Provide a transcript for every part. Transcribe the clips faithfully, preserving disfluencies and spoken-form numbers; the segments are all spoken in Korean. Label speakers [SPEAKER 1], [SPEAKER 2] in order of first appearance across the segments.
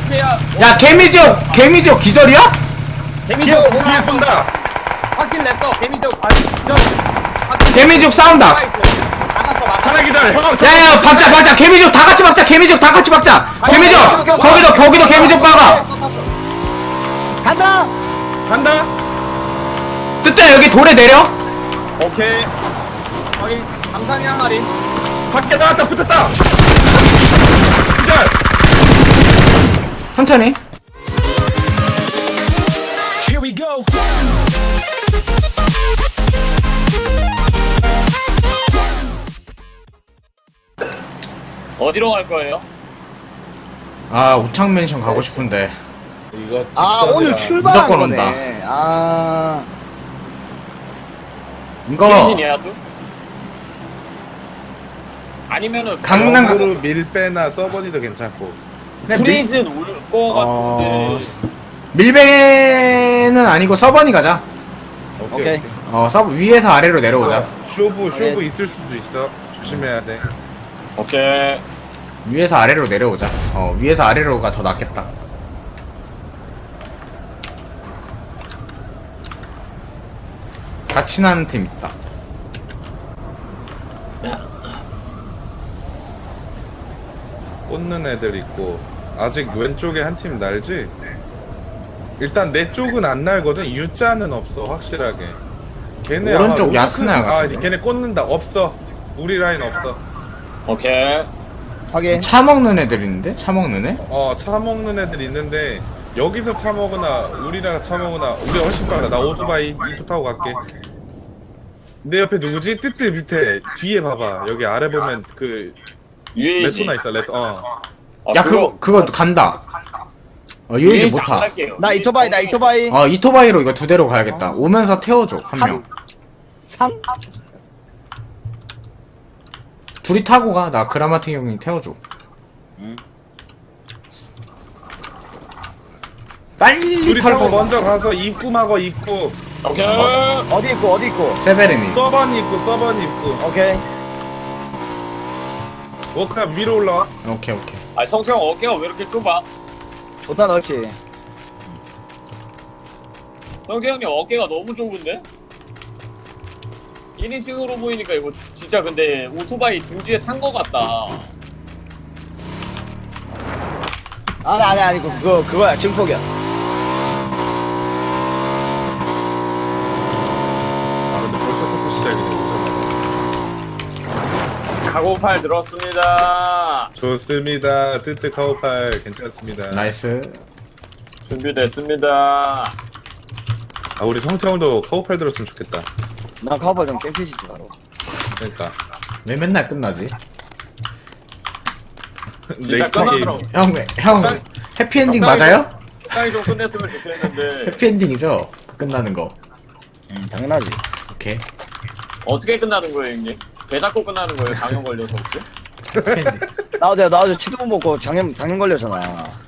[SPEAKER 1] 오케이야.
[SPEAKER 2] 야 개미지옥 개미지옥 기절이야?
[SPEAKER 1] 개미지옥
[SPEAKER 3] 뒤에 뒤에 본다.
[SPEAKER 1] 확킬 냈어. 개미지옥 반 기절.
[SPEAKER 2] 개미지옥 싸운다.
[SPEAKER 1] 막았어 막았어.
[SPEAKER 3] 하나 기절. 형.
[SPEAKER 2] 야야 박자 박자 개미지옥 다 같이 박자 개미지옥 다 같이 박자 개미지옥 거기도 거기도 개미지옥 박아.
[SPEAKER 4] 간다.
[SPEAKER 3] 간다.
[SPEAKER 2] 뜨뜨야 여기 돌에 내려.
[SPEAKER 1] 오케이. 확인. 감상이 한 마리.
[SPEAKER 3] 밖에 나왔다. 붙었다. 기절.
[SPEAKER 2] 천천히.
[SPEAKER 5] Here we go.
[SPEAKER 1] 어디로 갈 거예요?
[SPEAKER 2] 아 우창 맨션 가고 싶은데
[SPEAKER 3] 이거
[SPEAKER 4] 아
[SPEAKER 3] 직선이라.
[SPEAKER 4] 오늘 출발한
[SPEAKER 2] 무조건
[SPEAKER 4] 거네.
[SPEAKER 2] 온다.
[SPEAKER 4] 아
[SPEAKER 2] 이거
[SPEAKER 1] 프리즌이야 또? 아니면은
[SPEAKER 2] 강남 가-
[SPEAKER 3] 영으로 밀배나 서버니도 괜찮고.
[SPEAKER 2] 그냥 밀,
[SPEAKER 1] 프리즌 올 거 같은데.
[SPEAKER 2] 밀배는 아니고 서버니 가자.
[SPEAKER 3] 오케이.
[SPEAKER 4] 오케이.
[SPEAKER 3] 오케이.
[SPEAKER 2] 어 서버 위에서 아래로 내려오자.
[SPEAKER 3] 쇼부 쇼부
[SPEAKER 4] 오케이.
[SPEAKER 3] 있을 수도 있어. 조심해야 돼.
[SPEAKER 1] 오케이.
[SPEAKER 2] 위에서 아래로 내려오자. 어 위에서 아래로가 더 낫겠다. 같이 나는 팀 있다.
[SPEAKER 3] 꽂는 애들 있고. 아직 왼쪽에 한 팀 날지? 일단 내 쪽은 안 날거든. U자는 없어 확실하게. 걔네 아마
[SPEAKER 2] 오른쪽
[SPEAKER 3] 로스크-
[SPEAKER 2] 야스나야
[SPEAKER 3] 아
[SPEAKER 2] 같은데?
[SPEAKER 3] 걔네 꽂는다. 없어. 우리 라인 없어.
[SPEAKER 1] 오케이.
[SPEAKER 4] 확인.
[SPEAKER 2] 차 먹는 애들 있는데? 차 먹는 애?
[SPEAKER 3] 어 차 먹는 애들 있는데 여기서 차 먹으나 우리랑 차 먹으나 우리 훨씬 빨라. 나 오토바이 이프 타고 갈게. 내 옆에 누구지? 뜨뜨 밑에 뒤에 봐봐. 여기 아래 보면 그
[SPEAKER 1] 유에이지.
[SPEAKER 3] 레토나 있어. 레토. 어.
[SPEAKER 1] 아,
[SPEAKER 2] 야 그거 그거 간다. 어 유에이지
[SPEAKER 1] 유에이지
[SPEAKER 2] 못
[SPEAKER 1] 안
[SPEAKER 2] 타.
[SPEAKER 1] 갈게요.
[SPEAKER 4] 나 이토바이 나 이토바이.
[SPEAKER 2] 어 이토바이로 이거 두 대로 가야겠다. 오면서 태워줘 한 명.
[SPEAKER 4] 상.
[SPEAKER 2] 둘이 타고 가. 나 그라마틱 형이 태워줘. 빨리
[SPEAKER 3] 둘이 타고
[SPEAKER 2] 털고.
[SPEAKER 3] 먼저 가서 입구 막어 입구.
[SPEAKER 1] 오케이.
[SPEAKER 4] 어디 있고 어디 있고.
[SPEAKER 2] 세베르니.
[SPEAKER 3] 서번 입구 서번 입구.
[SPEAKER 4] 오케이.
[SPEAKER 3] 워크탑 위로 올라와.
[SPEAKER 2] 오케이 오케이.
[SPEAKER 1] 아 성태형 어깨가 왜 이렇게 좁아?
[SPEAKER 4] 좋다 넣지.
[SPEAKER 1] 성태형님 어깨가 너무 좁은데? 일 인칭으로 보이니까 이거 진짜 근데 오토바이 등 뒤에 탄 거 같다.
[SPEAKER 4] 아니 아니 아니고 그거 그거야 증폭이야.
[SPEAKER 3] 아 근데 벌써 서프 시작이네.
[SPEAKER 1] 카고팔 들었습니다.
[SPEAKER 3] 좋습니다. 뜨뜨 카우팔 괜찮습니다.
[SPEAKER 2] 나이스.
[SPEAKER 1] 준비됐습니다.
[SPEAKER 3] 아 우리 성태형도 카우팔 들었으면 좋겠다.
[SPEAKER 4] 난 카우팔 좀 깽피시지 바로.
[SPEAKER 3] 그러니까
[SPEAKER 2] 왜 맨날 끝나지?
[SPEAKER 1] 진짜
[SPEAKER 3] 넥스트 게임.
[SPEAKER 1] 끝나더라고.
[SPEAKER 2] 형, 형
[SPEAKER 1] 적당히-
[SPEAKER 2] 해피엔딩
[SPEAKER 1] 적당히
[SPEAKER 2] 맞아요?
[SPEAKER 1] 적당히 좀 끝냈으면 좋겠는데
[SPEAKER 2] 해피엔딩이죠? 그 끝나는 거.
[SPEAKER 4] 음 당연하지.
[SPEAKER 2] 오케이.
[SPEAKER 1] 어떻게 끝나는 거예요 형님? 배 잡고 끝나는 거예요? 장염 걸려서 혹시?
[SPEAKER 2] 해피엔딩.
[SPEAKER 4] 나 어제 나 어제 치도 못 먹고 장염 장염 걸렸잖아.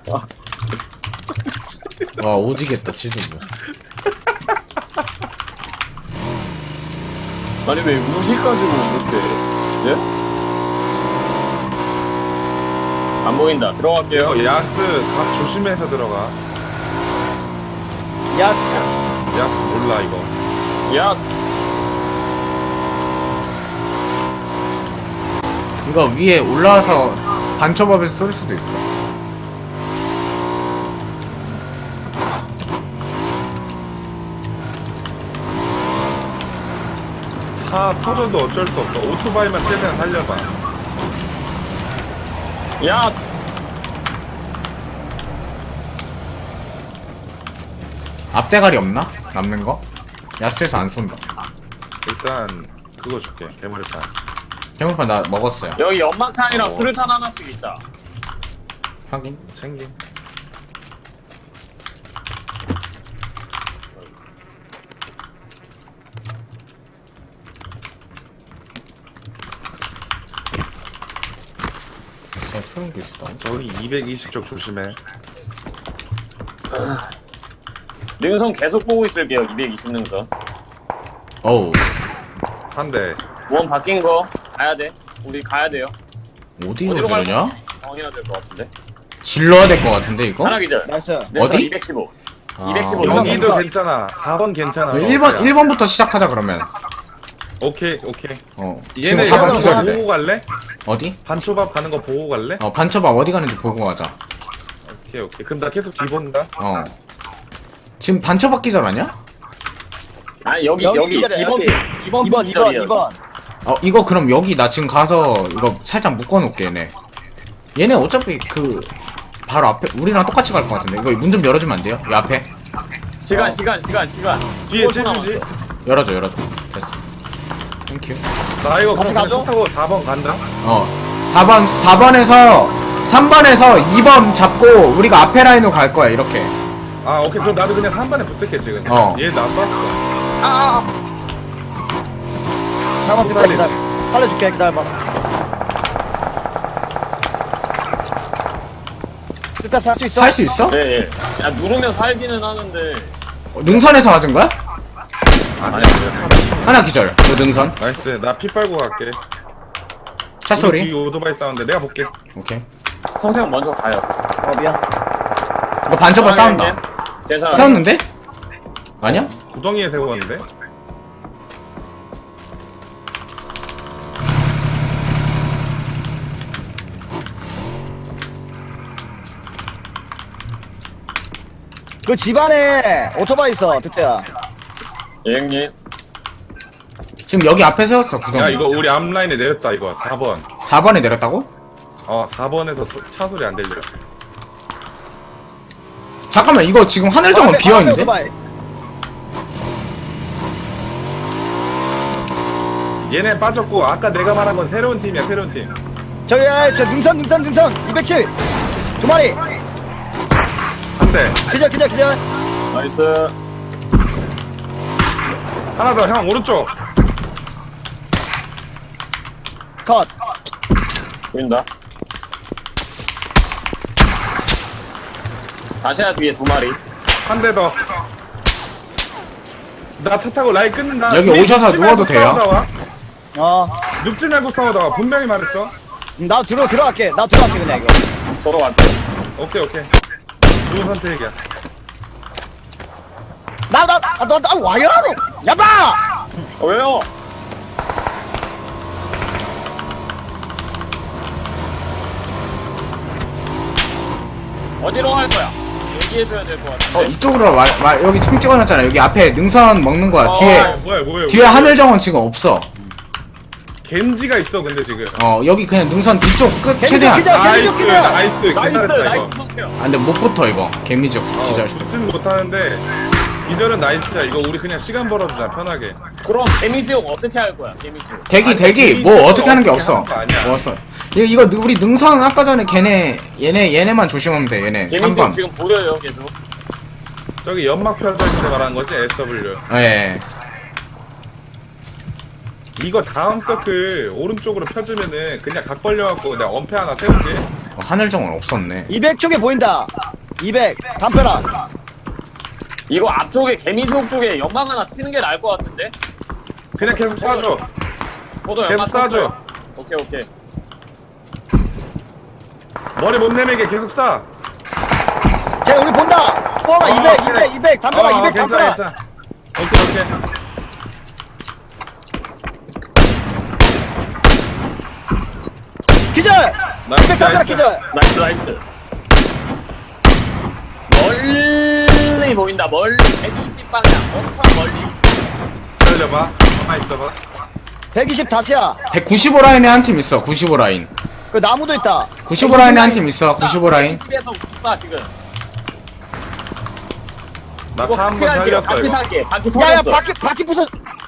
[SPEAKER 2] 와 오지겠다 치즈부.
[SPEAKER 1] 아니 왜 무시까지 이렇게 예? 안 보인다. 들어갈게요.
[SPEAKER 3] 어, 야스 각 조심해서 들어가.
[SPEAKER 4] 야스.
[SPEAKER 3] 야스 몰라 이거.
[SPEAKER 1] 야스.
[SPEAKER 2] 이거 위에 올라와서 반초밥에서 쏠 수도 있어.
[SPEAKER 3] 차 터져도 어쩔 수 없어. 오토바이만 최대한 살려봐.
[SPEAKER 1] 야스.
[SPEAKER 2] 앞대가리 없나? 남는 거? 야스에서 안 쏜다.
[SPEAKER 3] 일단 그거 줄게. 개머리판.
[SPEAKER 2] 해물판 나 먹었어요.
[SPEAKER 1] 여기 연막탄이랑
[SPEAKER 3] 어.
[SPEAKER 1] 수류탄 하나씩 있다.
[SPEAKER 2] 확인.
[SPEAKER 3] 챙김.
[SPEAKER 2] 진짜 소름 끼치다.
[SPEAKER 3] 저기 이백이십 쪽 조심해.
[SPEAKER 1] 능선 계속 보고 있을게요. 이백이십 능선.
[SPEAKER 2] 어우
[SPEAKER 3] 한 대.
[SPEAKER 1] 원 바뀐 거 가야 돼. 우리 가야 돼요.
[SPEAKER 2] 어디로
[SPEAKER 1] 어디로 갈
[SPEAKER 2] 저러냐?
[SPEAKER 1] 건지 정해야 될 것 같은데.
[SPEAKER 2] 질러야 될 것 같은데 이거?
[SPEAKER 1] 하나 기절.
[SPEAKER 4] 나이스.
[SPEAKER 1] 내서
[SPEAKER 2] 어디?
[SPEAKER 1] 이백십오.
[SPEAKER 2] 아.
[SPEAKER 1] 이백십오.
[SPEAKER 3] 여기도 괜찮아. 사 번 괜찮아.
[SPEAKER 2] 일 번 일 번부터 시작하자 그러면.
[SPEAKER 3] 오케이 오케이.
[SPEAKER 2] 어. 지금
[SPEAKER 3] 얘네
[SPEAKER 2] 사 번
[SPEAKER 3] 이거
[SPEAKER 2] 기절이래.
[SPEAKER 3] 보고 갈래?
[SPEAKER 2] 어디?
[SPEAKER 3] 반초밥 가는 거 보고 갈래?
[SPEAKER 2] 어 반초밥 어디 가는지 보고 가자.
[SPEAKER 3] 오케이 오케이. 그럼 나 계속 뒤본다.
[SPEAKER 2] 어. 지금 반초밥 기절 아니야?
[SPEAKER 1] 아니 여기
[SPEAKER 4] 여기
[SPEAKER 1] 여기
[SPEAKER 4] 기절이야,
[SPEAKER 1] 이번
[SPEAKER 4] 여기.
[SPEAKER 1] 핑 이번
[SPEAKER 4] 이번
[SPEAKER 1] 핑
[SPEAKER 4] 이번
[SPEAKER 1] 기절이야.
[SPEAKER 4] 이번.
[SPEAKER 2] 어 이거 그럼 여기 나 지금 가서 이거 살짝 묶어놓을게 얘네. 얘네 어차피 그 바로 앞에 우리랑 똑같이 갈 것 같은데 이거 문 좀 열어주면 안 돼요? 이 앞에
[SPEAKER 1] 시간 시간 시간 시간.
[SPEAKER 3] 뒤에
[SPEAKER 1] 오 초
[SPEAKER 3] 칠주지.
[SPEAKER 1] 남았어.
[SPEAKER 2] 열어줘 열어줘. 됐어. 땡큐.
[SPEAKER 3] 나 이거
[SPEAKER 4] 같이
[SPEAKER 3] 그냥
[SPEAKER 4] 가죠?
[SPEAKER 3] 차 타고 사 번 간다.
[SPEAKER 2] 어 사 번 사 번에서 삼 번에서 이 번 잡고 우리가 앞에 라인으로 갈 거야 이렇게.
[SPEAKER 3] 아 오케이. 그럼 나도 그냥 삼 번에 붙을게 지금.
[SPEAKER 2] 어.
[SPEAKER 3] 얘 나 쐈어.
[SPEAKER 4] 잠깐만 기다려 기다려. 살려줄게 기다려봐. 일단 살 수 있어?
[SPEAKER 2] 살 수 있어?
[SPEAKER 1] 네, 예. 야, 누르면 살기는 하는데.
[SPEAKER 2] 어, 능선에서 맞은 거야?
[SPEAKER 3] 아니야.
[SPEAKER 2] 하나 기절. 그 능선.
[SPEAKER 3] 나이스. 나 피 빨고 갈게.
[SPEAKER 2] 차
[SPEAKER 3] 뒤
[SPEAKER 2] 소리.
[SPEAKER 3] 오토바이 싸운데 내가 볼게.
[SPEAKER 2] 오케이.
[SPEAKER 1] 성태형 먼저 가요.
[SPEAKER 4] 어 미안.
[SPEAKER 2] 이거 반초밥 싸운다.
[SPEAKER 1] 괜찮아.
[SPEAKER 2] 싸웠는데? 아니야?
[SPEAKER 3] 구덩이에 세웠는데.
[SPEAKER 4] 그 집안에 오토바이 있어 드트야.
[SPEAKER 1] 예, 형님.
[SPEAKER 2] 지금 여기 앞에 세웠어 구덩이.
[SPEAKER 3] 야 이거 우리 앞라인에 내렸다 이거 사 번.
[SPEAKER 2] 사 번에 내렸다고?
[SPEAKER 3] 어 사 번에서 차 소리 안 들려.
[SPEAKER 2] 잠깐만 이거 지금 하늘정원
[SPEAKER 4] 앞에, 앞에
[SPEAKER 2] 비어있는데?
[SPEAKER 4] 오토바이.
[SPEAKER 3] 얘네 빠졌고 아까 내가 말한 건 새로운 팀이야 새로운 팀.
[SPEAKER 4] 저기 아, 저 능선 능선 능선 이백칠 두 마리.
[SPEAKER 3] 한 대.
[SPEAKER 4] 기절 기절 기절.
[SPEAKER 1] 나이스.
[SPEAKER 3] 하나 더 형 오른쪽.
[SPEAKER 4] 컷.
[SPEAKER 1] 보인다. 다시야 뒤에 두 마리.
[SPEAKER 3] 한 대 더. 나 차 타고 라인 끊는다.
[SPEAKER 2] 여기
[SPEAKER 3] 우리
[SPEAKER 2] 오셔서
[SPEAKER 3] 눕지
[SPEAKER 2] 누워도
[SPEAKER 3] 말고
[SPEAKER 2] 돼요?
[SPEAKER 3] 싸우다 와.
[SPEAKER 4] 어.
[SPEAKER 3] 눕지 말고 싸우다 와. 분명히 말했어.
[SPEAKER 4] 나 들어 들어갈게. 나 들어갈게 그냥 이거.
[SPEAKER 1] 서로 갈게.
[SPEAKER 3] 오케이 오케이. 좋은 선택이야.
[SPEAKER 4] 나나나나 와요 너. 야바.
[SPEAKER 1] 어, 왜요? 어디로 갈 거야? 얘기해줘야 될 것 같은데.
[SPEAKER 2] 어 이쪽으로 와, 와 여기 총 찍어놨잖아. 여기 앞에 능선 먹는 거야.
[SPEAKER 1] 어,
[SPEAKER 2] 뒤에
[SPEAKER 3] 아, 뭐야 뭐야.
[SPEAKER 2] 뒤에
[SPEAKER 3] 뭐야.
[SPEAKER 2] 하늘정원 지금 없어.
[SPEAKER 3] 겐지가 있어 근데 지금.
[SPEAKER 2] 어 여기 그냥 능선 뒤쪽 끝
[SPEAKER 4] 개미적
[SPEAKER 2] 최대한.
[SPEAKER 4] 기절.
[SPEAKER 3] 나이스
[SPEAKER 4] 기절.
[SPEAKER 3] 나이스.
[SPEAKER 1] 나이스
[SPEAKER 3] 기다렸다,
[SPEAKER 1] 나이스
[SPEAKER 3] 이거.
[SPEAKER 1] 성태형.
[SPEAKER 2] 아 근데 못 붙어 이거. 개미적
[SPEAKER 3] 어,
[SPEAKER 2] 기절.
[SPEAKER 3] 붙진 못하는데 기절은 나이스야. 이거 우리 그냥 시간 벌어주자 편하게.
[SPEAKER 1] 그럼 데미지 형 어떻게 할 거야? 데미지.
[SPEAKER 2] 대기
[SPEAKER 3] 아니,
[SPEAKER 2] 대기
[SPEAKER 3] 개미적으로
[SPEAKER 2] 뭐 어떻게 하는 게
[SPEAKER 3] 어떻게
[SPEAKER 2] 없어.
[SPEAKER 3] 하는 거 아니야.
[SPEAKER 2] 뭐 없어. 이거 이거 우리 능선 아까 전에 걔네 얘네 얘네만 조심하면 돼. 얘네
[SPEAKER 1] 데미지
[SPEAKER 2] 삼 번.
[SPEAKER 1] 지금 보여요 계속.
[SPEAKER 3] 저기 연막 펴져 있는 데 말하는 거지 에스 더블유.
[SPEAKER 2] 예.
[SPEAKER 3] 이거 다음 서클 오른쪽으로 펴주면은 그냥 각 벌려갖고 내가 엄폐 하나 세울게.
[SPEAKER 2] 어, 하늘정원 없었네.
[SPEAKER 4] 이백 쪽에 보인다. 이백 담벼락.
[SPEAKER 1] 이거 앞쪽에 개미지옥 쪽에 연막 하나 치는 게 나을 것 같은데?
[SPEAKER 3] 그냥 계속 쏴줘.
[SPEAKER 1] 저도
[SPEAKER 3] 계속
[SPEAKER 1] 연막
[SPEAKER 3] 쏴줘.
[SPEAKER 1] 쳤어요. 오케이 오케이.
[SPEAKER 3] 머리 못 내밀게 계속 쏴.
[SPEAKER 4] 쟤 우리 본다. 뽀가
[SPEAKER 3] 어,
[SPEAKER 4] 이백
[SPEAKER 3] 그래.
[SPEAKER 4] 이백 이백 담벼락
[SPEAKER 3] 어,
[SPEAKER 4] 이백
[SPEAKER 3] 괜찮아
[SPEAKER 4] 담벼락.
[SPEAKER 3] 괜찮아. 오케이 오케이.
[SPEAKER 4] 기절.
[SPEAKER 3] 나이스,
[SPEAKER 4] 이백 담벼락
[SPEAKER 3] 나이스.
[SPEAKER 4] 기절.
[SPEAKER 1] 나이스 나이스. 멀리 보인다 멀리 백이십 방향 엄청 멀리.
[SPEAKER 3] 기다려봐. 가만 있어봐.
[SPEAKER 4] 백이십 다치야.
[SPEAKER 2] 백구십오 라인에 한 팀 있어. 구십오 라인.
[SPEAKER 4] 그 나무도 있다.
[SPEAKER 2] 구십오 라인에 한 팀 있어. 구십오 라인.
[SPEAKER 1] 백이십에서 붙다 지금.
[SPEAKER 3] 나
[SPEAKER 1] 이거
[SPEAKER 3] 차 한
[SPEAKER 1] 같이
[SPEAKER 3] 번
[SPEAKER 1] 갈게요.
[SPEAKER 3] 살렸어
[SPEAKER 1] 같이
[SPEAKER 3] 이거.
[SPEAKER 1] 탈게. 바퀴
[SPEAKER 4] 야야
[SPEAKER 1] 터졌어.
[SPEAKER 4] 바퀴 바퀴 부서.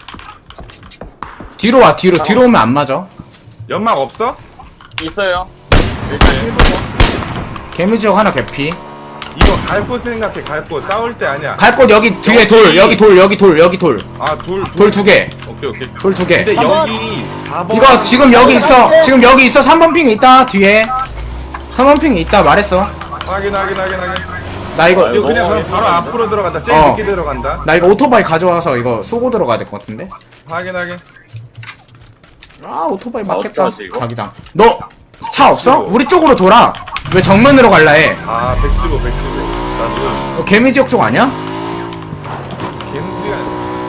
[SPEAKER 2] 뒤로 와 뒤로 뒤로 오면 안 맞아.
[SPEAKER 3] 연막 없어?
[SPEAKER 1] 있어요. 일단 일 분.
[SPEAKER 2] 개미지옥 하나 개피.
[SPEAKER 3] 이거 갈 곳 생각해. 갈 곳. 싸울 때 아니야.
[SPEAKER 2] 갈 곳 여기 뒤에 돌 여기 돌 여기 돌 여기 돌.
[SPEAKER 3] 아돌
[SPEAKER 2] 돌 두 개.
[SPEAKER 3] 오케이 오케이.
[SPEAKER 2] 돌 두 개.
[SPEAKER 3] 근데
[SPEAKER 4] 사 번.
[SPEAKER 3] 여기 사 번.
[SPEAKER 2] 이거 지금 여기 있어. 지금 여기 있어. 삼 번 핑이 있다. 뒤에. 삼 번 핑이 있다. 말했어.
[SPEAKER 3] 확인 확인 확인 확인.
[SPEAKER 2] 나 이거
[SPEAKER 1] 아유,
[SPEAKER 3] 이거 그냥
[SPEAKER 1] 너무
[SPEAKER 3] 그럼 바로 앞으로 들어간다. 제일
[SPEAKER 2] 어.
[SPEAKER 3] 늦게 들어간다.
[SPEAKER 2] 나 이거 오토바이 가져와서 이거 쏘고 들어가야 될 것 같은데.
[SPEAKER 3] 확인 확인.
[SPEAKER 2] 아 오토바이
[SPEAKER 1] 아,
[SPEAKER 2] 맞겠다.
[SPEAKER 1] 어떡하지, 이거?
[SPEAKER 2] 자기장. 너 차 없어? 우리 쪽으로 돌아. 왜 정면으로 갈라 해?
[SPEAKER 3] 아 백십오 백십오 나도
[SPEAKER 2] 어, 개미지역 쪽 아니야?
[SPEAKER 3] 개무지가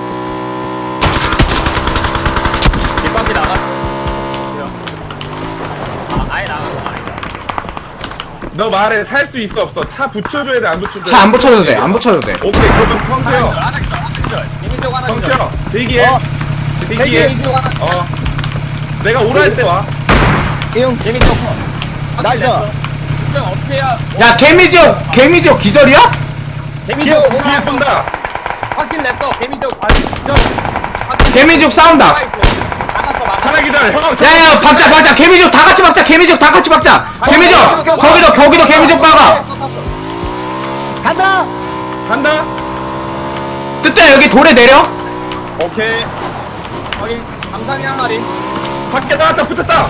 [SPEAKER 1] 뒷바퀴 나갔어. 그래요. 아, 아예 나간 건 아니다.
[SPEAKER 3] 너 말해 살 수 있어 없어? 차 붙여줘야 돼 안 붙여줘야 돼?
[SPEAKER 2] 차 안 붙여도 돼. 안 붙여도 돼.
[SPEAKER 3] 오케이 그러면 성태요
[SPEAKER 1] 하나 기절, 하나 기절. 개미지옥 하나 기절.
[SPEAKER 3] 성태요 대기해
[SPEAKER 4] 어.
[SPEAKER 3] 대기해
[SPEAKER 1] 개미지옥 하나 기절.
[SPEAKER 3] 어 내가 오라 할 때와
[SPEAKER 4] 이용
[SPEAKER 1] 개미지옥 컷.
[SPEAKER 4] 나이스.
[SPEAKER 1] 그냥 어떻게 해야?
[SPEAKER 2] 야 개미지역 개미지역 기절이야?
[SPEAKER 1] 개미지옥
[SPEAKER 3] 뒤에
[SPEAKER 1] 오나
[SPEAKER 3] 본다
[SPEAKER 1] 확킬 냈어. 개미지옥 바로 기절. 확킬
[SPEAKER 2] 개미지옥 싸운다.
[SPEAKER 1] 나갔어, 나갔어.
[SPEAKER 3] 하나 기절 형
[SPEAKER 2] 야야 박자 박자 개미지역 다 같이 박자. 개미지역 다 같이 박자. 개미지역 거기도 거기도 개미지역 박아.
[SPEAKER 4] 간다.
[SPEAKER 3] 간다
[SPEAKER 2] 뜨뜻 여기 돌에 내려.
[SPEAKER 1] 오케이. 확인. 감상이 한 마리.
[SPEAKER 3] 밖에 나왔다 붙었다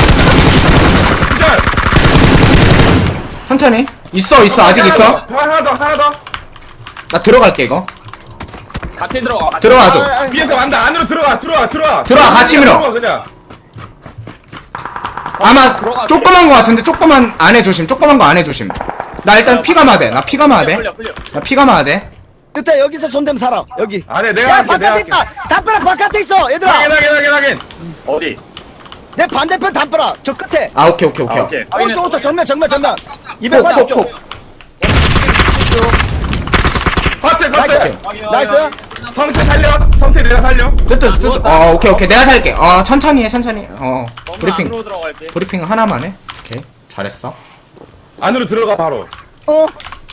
[SPEAKER 3] 기절
[SPEAKER 2] 천천히. 있어 있어 아직
[SPEAKER 3] 하나
[SPEAKER 2] 있어.
[SPEAKER 3] 더, 하나 더 하나 더
[SPEAKER 2] 나 들어갈게 이거.
[SPEAKER 1] 같이 들어가. 같이
[SPEAKER 2] 들어가줘.
[SPEAKER 3] 위에서 간다 안으로 들어와 들어와 들어와
[SPEAKER 2] 들어와, 같이 밀어.
[SPEAKER 3] 들어와, 그냥
[SPEAKER 2] 아마
[SPEAKER 1] 들어가게.
[SPEAKER 2] 조그만 거 같은데 조그만 안에 조심. 조그만 거 안에 조심. 나 일단 피가 마돼. 나 피가 마돼.
[SPEAKER 1] 풀려, 풀려.
[SPEAKER 2] 나 피가 마돼.
[SPEAKER 4] 뜻해 여기서 손대면 살아. 여기.
[SPEAKER 3] 안에 내가
[SPEAKER 4] 야
[SPEAKER 3] 할게 내가
[SPEAKER 4] 바깥에
[SPEAKER 3] 할게
[SPEAKER 4] 있다. 담벼락 바깥에 있어 얘들아.
[SPEAKER 3] 확인 확인 확인 확인
[SPEAKER 1] 어디?
[SPEAKER 4] 내 반대편 담벼락 저 끝에.
[SPEAKER 2] 아 오케이 오케이 오케이.
[SPEAKER 1] 아, 오케이.
[SPEAKER 4] 오른쪽 오른쪽 정면 정면 정면.
[SPEAKER 2] 콕,
[SPEAKER 4] 이백팔십
[SPEAKER 2] 콕,
[SPEAKER 4] 쪽.
[SPEAKER 2] 콕.
[SPEAKER 3] 커트 커트
[SPEAKER 4] 나이스.
[SPEAKER 3] 성태 살려 성태 내가 살려
[SPEAKER 2] 뜨뜻 뜨뜻. 어 오케이 오케이 내가 살게. 어 천천히 해 천천히. 어
[SPEAKER 1] 너무
[SPEAKER 2] 브리핑
[SPEAKER 1] 안으로 들어갈게.
[SPEAKER 2] 브리핑 하나만 해. 오케이 잘했어.
[SPEAKER 3] 안으로 들어가 바로
[SPEAKER 4] 어.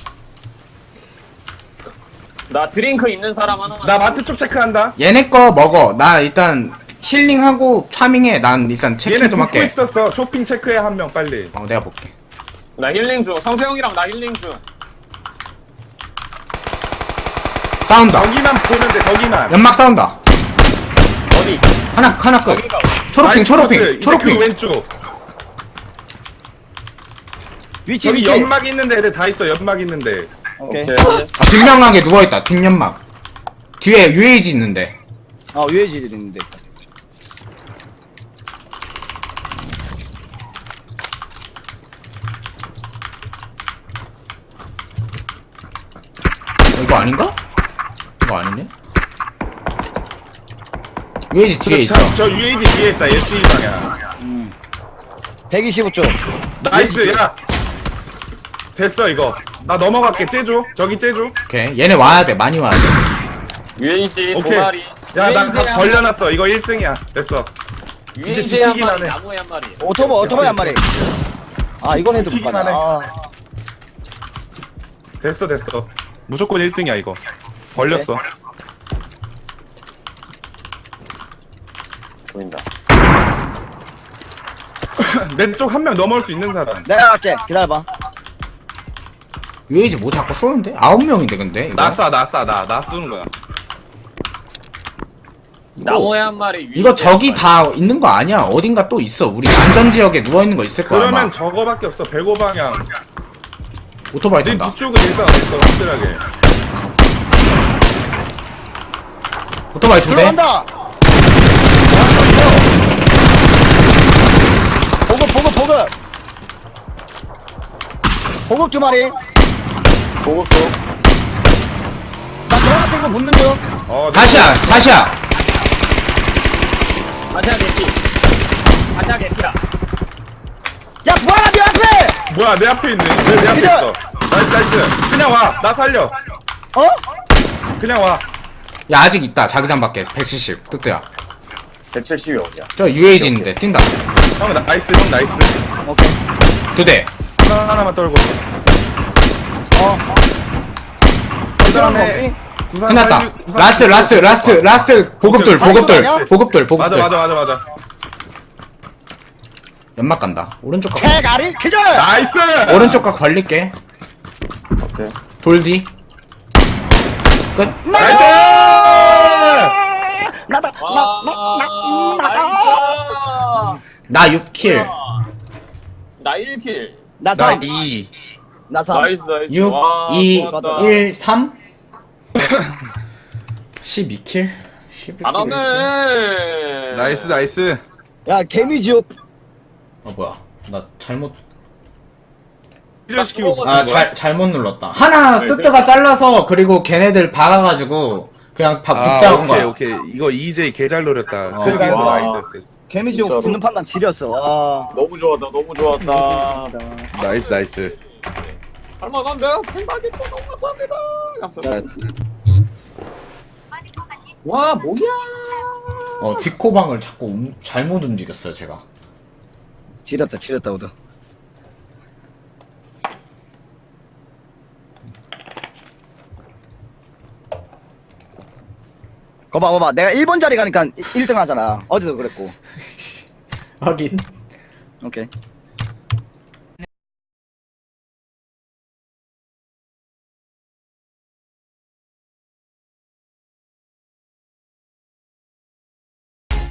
[SPEAKER 1] 나 드링크 있는 사람 하나만.
[SPEAKER 3] 나 마트 쪽 체크한다
[SPEAKER 2] 얘네 거 먹어. 나 일단 힐링하고 파밍해. 난 일단 체크
[SPEAKER 3] 얘네
[SPEAKER 2] 좀
[SPEAKER 3] 붙고
[SPEAKER 2] 할게.
[SPEAKER 3] 있었어 쇼핑 체크해 한 명 빨리
[SPEAKER 2] 어 내가 볼게.
[SPEAKER 1] 나 힐링 중. 성태형이랑 나 힐링 중.
[SPEAKER 2] 싸운다.
[SPEAKER 3] 저기만 보면 돼 저기만
[SPEAKER 2] 연막 싸운다.
[SPEAKER 1] 어디?
[SPEAKER 2] 하나 하나 끝.
[SPEAKER 1] 거기가
[SPEAKER 2] 초록핑
[SPEAKER 3] 나이스
[SPEAKER 2] 초록핑
[SPEAKER 3] 커트. 이제 그
[SPEAKER 2] 초록핑.
[SPEAKER 3] 왼쪽
[SPEAKER 4] 위치
[SPEAKER 3] 저기
[SPEAKER 4] 위치.
[SPEAKER 3] 연막 있는데 애들 다 있어 연막 있는데
[SPEAKER 4] 오케이.
[SPEAKER 2] 아, 뒷명하게 누워있다. 뒷연막. 뒤에 유에이지 있는데.
[SPEAKER 4] 어 유해지 있는데.
[SPEAKER 2] 어, 이거 아닌가? 이거 아니네? 유에이지 뒤에 있어.
[SPEAKER 3] 저, 저 유에이지 뒤에 있다 에스이 방향
[SPEAKER 4] 백이십오 쪽.
[SPEAKER 3] 나이스 야 됐어 이거 나 넘어갈게 째줘 저기 째줘
[SPEAKER 2] 오케이. 얘네 와야 돼. 많이 와야 돼.
[SPEAKER 1] 유엔씨 두
[SPEAKER 3] 오케이
[SPEAKER 1] 마리.
[SPEAKER 3] 야나
[SPEAKER 1] 유엔씨에 한
[SPEAKER 3] 걸려놨어 이거 일 등이야 됐어
[SPEAKER 1] 마리.
[SPEAKER 3] 이제
[SPEAKER 1] 유엔씨에 한
[SPEAKER 3] 지키기만
[SPEAKER 1] 마리.
[SPEAKER 3] 해.
[SPEAKER 1] 나무에 한 마리.
[SPEAKER 4] 오토바이 오토바이 한 마리. 아 이건 해도 못
[SPEAKER 3] 튀기만
[SPEAKER 4] 가네.
[SPEAKER 3] 해.
[SPEAKER 4] 아.
[SPEAKER 3] 됐어 됐어 무조건 일 등이야 이거 걸렸어
[SPEAKER 1] 보인다.
[SPEAKER 3] 내 쪽 한 명 넘어올 수 있는 사람
[SPEAKER 4] 내가 갈게. 기다려봐.
[SPEAKER 2] 유에이지 뭐 자꾸 쏘는데? 아홉 명인데 근데 이거?
[SPEAKER 3] 나쏴나쏴나나 쏘는 거야
[SPEAKER 1] 나무에 한 마리.
[SPEAKER 2] 이거
[SPEAKER 1] 유엔씨에
[SPEAKER 2] 저기
[SPEAKER 1] 한
[SPEAKER 2] 다 있는 거 아니야. 어딘가 또 있어. 우리 안전지역에 누워있는 거 있을 거야 아마.
[SPEAKER 3] 그러면 저거밖에 없어 백오 방향
[SPEAKER 2] 오토바이
[SPEAKER 3] 내
[SPEAKER 2] 탄다.
[SPEAKER 3] 뒤쪽은 일단 없어 확실하게
[SPEAKER 2] 오토바이 두 대.
[SPEAKER 4] 들어간다. 보급 보급 보급. 보급 두 마리.
[SPEAKER 1] 마리. 보급도.
[SPEAKER 4] 나 들어갔던 거 붙는 중.
[SPEAKER 3] 어
[SPEAKER 2] 다시야 다시야.
[SPEAKER 1] 다시야 개피. 다시야 개피야.
[SPEAKER 4] 야 뭐야 네 앞에.
[SPEAKER 3] 뭐야 내 앞에 있네 왜 내 앞에
[SPEAKER 4] 그냥-
[SPEAKER 3] 있어 나이스 나이스 그냥 와 나 살려
[SPEAKER 4] 어?
[SPEAKER 3] 그냥 와
[SPEAKER 2] 야 아직 있다. 자기장 밖에 백칠십. 뜨뜨야.
[SPEAKER 1] 백칠십이 어디야?
[SPEAKER 2] 저 유에이지 있는데 뛴다.
[SPEAKER 3] 형 나이스 형 나이스
[SPEAKER 4] 오케이.
[SPEAKER 2] 두 대.
[SPEAKER 3] 하나 하나만 떨고
[SPEAKER 4] 어.
[SPEAKER 3] 그 다음에
[SPEAKER 2] 끝났다. 라스트 라스트 라스트 라스트 보급돌
[SPEAKER 3] 오케이.
[SPEAKER 2] 보급돌
[SPEAKER 4] 아니야?
[SPEAKER 2] 보급돌
[SPEAKER 3] 맞아
[SPEAKER 2] 보급돌.
[SPEAKER 3] 맞아 맞아 맞아
[SPEAKER 2] 연막 간다. 오른쪽 각.
[SPEAKER 4] 개가리 기절.
[SPEAKER 3] 나이스
[SPEAKER 2] 오른쪽 각 벌릴게.
[SPEAKER 1] 오케이.
[SPEAKER 2] 돌 뒤. 끝.
[SPEAKER 3] 나이스
[SPEAKER 4] 나다.
[SPEAKER 1] 와,
[SPEAKER 4] 나나나 나다.
[SPEAKER 1] 나이스.
[SPEAKER 2] 나 육 킬.
[SPEAKER 1] 나 일 킬.
[SPEAKER 4] 나 삼.
[SPEAKER 3] 나이
[SPEAKER 4] 나 삼.
[SPEAKER 1] 나이스 나이스.
[SPEAKER 2] 육,
[SPEAKER 1] 와,
[SPEAKER 2] 이,
[SPEAKER 1] 좋았다.
[SPEAKER 2] 일, 삼. 십이 킬. 십이 킬.
[SPEAKER 1] 잘하네.
[SPEAKER 3] 나이스 나이스
[SPEAKER 4] 야 개미지옥.
[SPEAKER 2] 어 뭐야? 나 잘못
[SPEAKER 3] 기절시키고 붙은
[SPEAKER 2] 아
[SPEAKER 3] 거야?
[SPEAKER 2] 잘 잘못 눌렀다. 하나
[SPEAKER 1] 네,
[SPEAKER 2] 뜨뜨가 잘라서 그리고 걔네들 박아가지고 그냥 밥
[SPEAKER 3] 아
[SPEAKER 2] 붙잡은
[SPEAKER 3] 오케이
[SPEAKER 2] 거야.
[SPEAKER 3] 오케이 이거 이제이 개잘 노렸다.
[SPEAKER 2] 어.
[SPEAKER 3] 그래서
[SPEAKER 1] 와.
[SPEAKER 3] 나이스였어.
[SPEAKER 4] 개미지
[SPEAKER 1] 진짜로.
[SPEAKER 4] 붙는 판단 지렸어. 와.
[SPEAKER 1] 너무 좋았다 너무 좋았다.
[SPEAKER 3] 나이스 나이스.
[SPEAKER 1] 할만한데요? 팽박이 또 너무 감사합니다. 감사합니다.
[SPEAKER 4] 잘했지.
[SPEAKER 1] 와 뭐야?
[SPEAKER 2] 어 디코방을 자꾸 움- 잘못 움직였어요 제가.
[SPEAKER 4] 지렸다 지렸다 오더. 거봐 거봐 내가 일 번 자리 가니까 일 등 하잖아. 어제도 그랬고.
[SPEAKER 2] 하긴.
[SPEAKER 4] 오케이.